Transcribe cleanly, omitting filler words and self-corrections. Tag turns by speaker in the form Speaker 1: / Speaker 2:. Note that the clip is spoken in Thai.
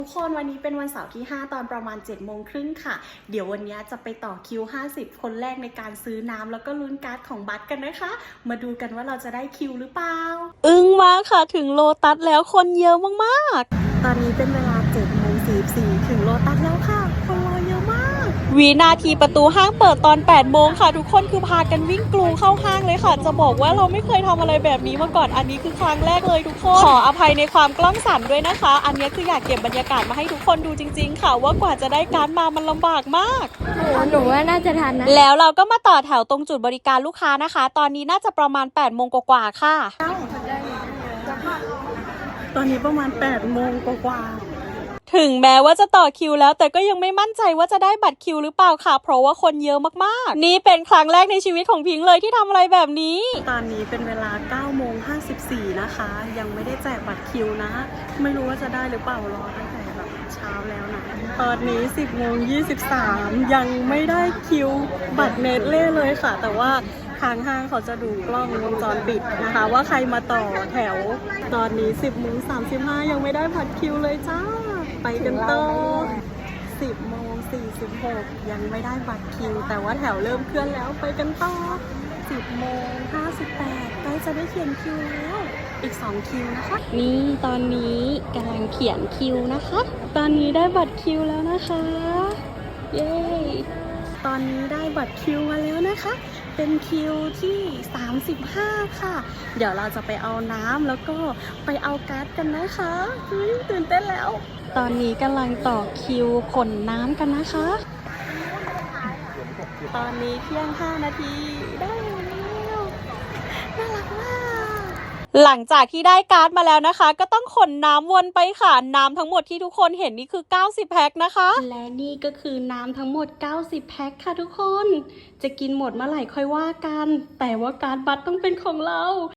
Speaker 1: ทุกคนวันนี้เป็นวันเสาร์ที่ 5 ตอนประมาณ 7:30 ค่ะเดี๋ยววันนี้จะไปต่อคิว 50 คนแรกในการซื้อน้ำแล้วก็ลุ้นการ์ดของบัตรกันนะคะ มาดูกันว่าเราจะได้คิวหรือเปล่า
Speaker 2: อึ้งมากค่ะถึงโลตัสแล้วคนเยอะมาก
Speaker 1: ๆตอนนี้เป็นเวลา 7:44 ถึงโลตัสแล้วค่ะคนรอเยอะมาก
Speaker 2: วินาทีประตูห้างเปิดตอน 8 โมงค่ะทุกคนคือพากันวิ่งกรูเข้าห้างเลยค่ะจะบอกว่าเราไม่เคยทำอะไรแบบนี้มาก่อนอันนี้คือครั้งแรกเลยทุกคนขออภัยในความกล้องสั่นด้วยนะคะอันนี้คืออยากเก็บบรรยากาศมาให้ทุกคนดูจริงๆค่ะว่ากว่าจะได้การ์ดมามันลำบากมาก
Speaker 3: หนูว่าน่าจะทันนะ
Speaker 2: แล้วเราก็มาต่อแถวตรงจุดบริการลูกค้านะคะตอนนี้น่าจะประมาณ 8 โมงกว่าๆค่ะ
Speaker 1: ตอนนี้ประมาณ 8 โมงกว่า
Speaker 2: ถึงแม้ว่าจะต่อคิวแล้วแต่ก็ยังไม่มั่นใจว่าจะได้บัตรคิวหรือเปล่าค่ะเพราะว่าคนเยอะมากๆนี่เป็นครั้งแรกในชีวิตของพิงค์เลยที่ทำอะไรแบบนี้
Speaker 1: ตอนนี้เป็นเวลา 9:54 นะคะยังไม่ได้แจกบัตรคิวนะไม่รู้ว่าจะได้หรือเปล่ารอตั้งแต่แบบเช้าแล้วนะตอนนี้ 10:23 ยังไม่ได้คิวบัตรเนตเล่เลยค่ะแต่ว่าทางห้างเขาจะดูกล้องวงจรปิดนะคะว่าใครมาต่อแถวตอนนี้ 10:35 ยังไม่ได้บัตรคิวเลยจ้าไปกันต่อ10:46 ยังไม่ได้บัตรคิวแต่ว่าแถวเริ่มเคลื่อนแล้วไปกันต่อ10:58 ใกล้จะได้เขียนคิวแล้วอีก2คิวนะคะ
Speaker 2: นี่ตอนนี้กำลังเขียนคิวนะคะตอนนี้ได้บัตรคิวแล้วนะคะเย้
Speaker 1: ตอนนี้ได้บัตรคิวมาแล้วนะคะเป็นคิวที่35ค่ะเดี๋ยวเราจะไปเอาน้ำแล้วก็ไปเอาการ์ดกันนะคะตื่นเต้นแล้ว
Speaker 2: ตอนนี้กำลังต่อคิวขนน้ำกันนะคะ
Speaker 1: ตอนนี้เที่ยง5 นาทีได้แล้วน่ารักมาก
Speaker 2: หลังจากที่ได้การ์ดมาแล้วนะคะก็ต้องขนน้ำวนไปค่ะน้ำทั้งหมดที่ทุกคนเห็นนี่คือ90แพ็คนะคะและนี่ก็คือน้ำทั้งหมด90แพ็คค่ะทุกคนจะกินหมดเมื่อไหร่ค่อยว่ากันแต่ว่าการ์ดบัตรต้องเป็นของเรา